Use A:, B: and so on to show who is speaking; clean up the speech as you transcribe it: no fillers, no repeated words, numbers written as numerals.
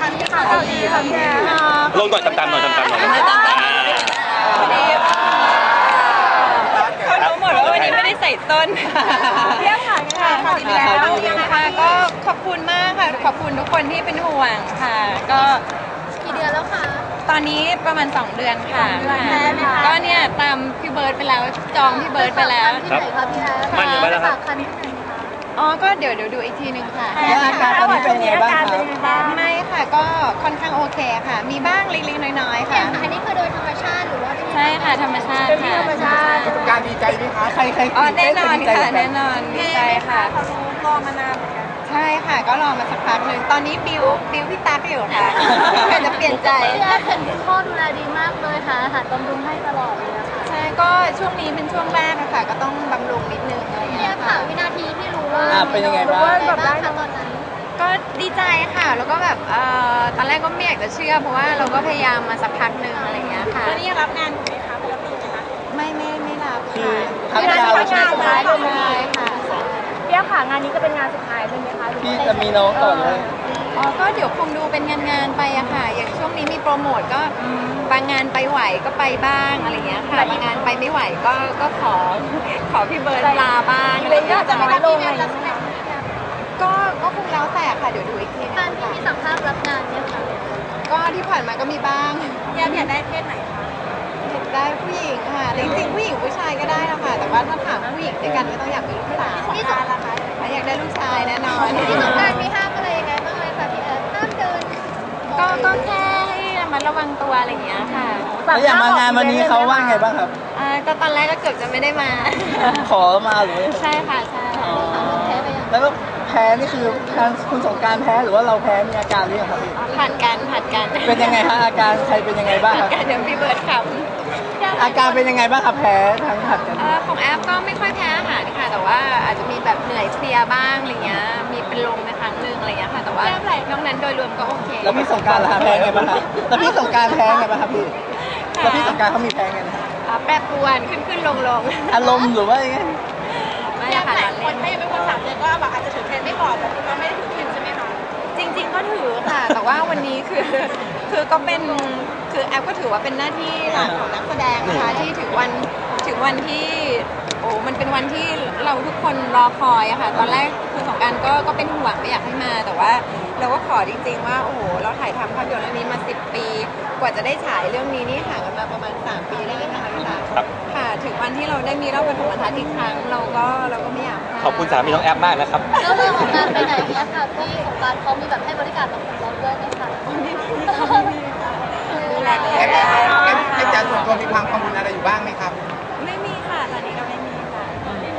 A: ข่าวดีค่ะพี่แอร์
B: ลงหน่อยตามๆหน่อยตามๆหน่อย
A: เขารู้หมดว่าวันนี้ไม่ได้ใส่ส้นเรียกค่ะข่าวดีแล้วค่ะก็ขอบคุณมากค่ะขอบคุณทุกคนที่เป็นห่วงค่ะก็
C: กี่เดือนแล้วคะ
A: ตอนนี้ประมาณ2 เดือนค่ะก็เนี่ยตามพี่เบิร์ดไปแล้วจองพี่เบิร์ดไปแล้ว
C: ที่ไหนคะพี่แอร์
B: มันอยู่ไปแล้วครับ
A: อ๋อก็เดี๋ยวดูอีกทีนึงค่ะ
D: อาการตอนนี้เป็นยังไงบ้างครับ
A: ไม่ค่ะก็ค่อนข้างโอเคค่ะมีบ้างเล็กๆน้อยๆค่ะ
C: อันนี้คือโดยธรรมชาติหรือว่า
A: ใช่ค่ะธรรมชาติค่ะ
D: ประสบการณ์ดีใจไหมคะใคร
A: อ๋อแน่นอนค่ะแน่นอนดีใจค่ะ
C: เขารอมานานเหมือนกัน
A: ใช่ค่ะก็รอมาสักพักหนึ่งตอนนี้บิวพี่ตั๊กอยู่ค่ะเพื่อจะเปลี่ยนใจ
C: พี่แอร์เห็นคุณพ่อดูแลดีมากเลยค่ะอาหารบำรุงให้ตลอดเลยนะคะ
A: ใช่ก็ช่วงนี้เป็นช่วงแรกอะค่ะก็ต้องบำรุงนิดนึงอะไรอย่าง
C: พี่แอ
A: เงี้ย
C: ร์
A: ค่ะ
C: ค่ะวินาทีที่รู้ว่า
D: เป็นยังไงบ้าง
C: แบบได้ตอนนั้น
A: ก็ดีใจค่ะแล้วก็แบบตอนแรกก็ไม่อยากจะเชื่อเพราะว่าเราก็พยายามมาสักพักหนึ่งอะไรอย่างเงี้ยค่ะ
C: แล้วนี่รับงานอยู่ไหมคะปกติไหมคะ
A: ไม่รับ
D: คือ
A: พักยาวใช่ค่ะ
C: พี่แอร์ค่ะงานนี้จะเป็นงานสุดท้ายเลยไหมคะ
D: พี่จะมีน้องต่อเลย
A: อ๋อก็เดี๋ยวคงดูเป็นงานไปอะค่ะอย่างช่วงนี้มีโปรโมทก็บางงานไปไหวก็ไปบ้างอะไรเงี้ยค่ะบางงานไปไม่ไหวก็ขอพี่เบิร์ดลาบ้างอะไรเงี้ย
C: จะไม่ลงอะไร
A: ก็คงแล้วแต่ค่ะเดี๋ยวดูอีกที
C: การที่มีสัมภาษณ์รับงานเนี่ยค่ะ
A: ก็ที่ผ่านมาก็มีบ้าง
C: อยากได้เพศไหนคะ
A: อยากได้ผู้หญิงค่ะจริงๆผู้หญิงผู้ชายก็ได้นะคะแต่ว่าถ้าถามผู้หญิงด้วยกันก็ต้องอยากมีลูกสาว
C: ที่สงการล่ะคะ
A: อยากได้ลูกชายแน่นอน
C: ที่สงการมีห้ามอะไรยังไงบ้างไหมคะพี่แอร์ห้ามเดิน
A: ก็แค่ให้ระมัดระวังตัวอะไรอย่างเงี้ยค่ะ
D: แล้วอย่างมางานวันนี้เขาว่าไงบ้างครับ
A: ก็ตอนแรกก็เกือบจะไม่ได้มา
D: ขอมาหรือ
A: ใช่ค่ะใช่
D: แล้วก็แพ้นี่คือคุณสงการแพ้หรือว่าเราแพ้มีอาการหรือยังครับพี่
A: ผัดกัน
D: เป็นยังไงฮะอาการใครเป็นยังไงบ้างครับ
A: เดี๋ยวพี่เบิร์ดข
D: ำอาการเป็นยังไงบ้างครับแพ้ทั้งผัดกัน
A: ของแอปก็ไม่ค่อยแพ้อาหารค่ะแต่ว่าอาจจะมีแบบเหนื่อยเพลียบ้างอะไรเงี้ยมีเป็นลมในครั้งนึงอะไรเงี้ยค่ะแต่ว่านอกนั้นโดยรวมก็โอเค
D: แล้วพี่สงการล่ะแพ้ไงบ้างครับแล้วพี่สงการแพ้ไงบ้างครับพี่แล้วพี่สงการเขามีแพ้ไงนะ
A: แปรปรวนขึ้นลง
D: อารมณ์หรือว่ายังไง
A: ไม่ค่ะ
C: หลายคนถ้ายังไม่พ้น3 เดือนก็แบบอาจจะถือเทรนไม่ก่อนแต่ก็ไม่ได้ถือเทรนใช่ไหมคะ
A: จริงๆก็ถือค่ะแต่ว่าวันนี้คือก็เป็นคือแอปก็ถือว่าเป็นหน้าที่หลักของนักแสดงนะคะที่ถึงวันที่โอ้มันเป็นวันที่เราทุกคนรอคอยอะค่ะตอนแรกคือสงการก็เป็นห่วงไม่อยากให้มาแต่ว่าเราก็ขอจริงๆว่าโอ้โหเราถ่ายทำภาพยนตร์เรื่องนี้มา10 ปีกว่าจะได้ฉายเรื่องนี้นี่ห่างกันมาประมาณ3 ปีได้ไหมคะพี่ตาค่ะถึงวันที่เราได้มีรอบปฐมทัศน์อีกครั้งเราก็ไม่อยาก
B: ขอบคุณสามีน้องแอปมากนะครับ
C: แล้วเรื่องของการไปไหนเนี่ยค่ะพี่สงการเขามีแบบให้บริการแบบเราด้วยไหมคะ
D: อาจารย์ส่วนตัวมีความกังว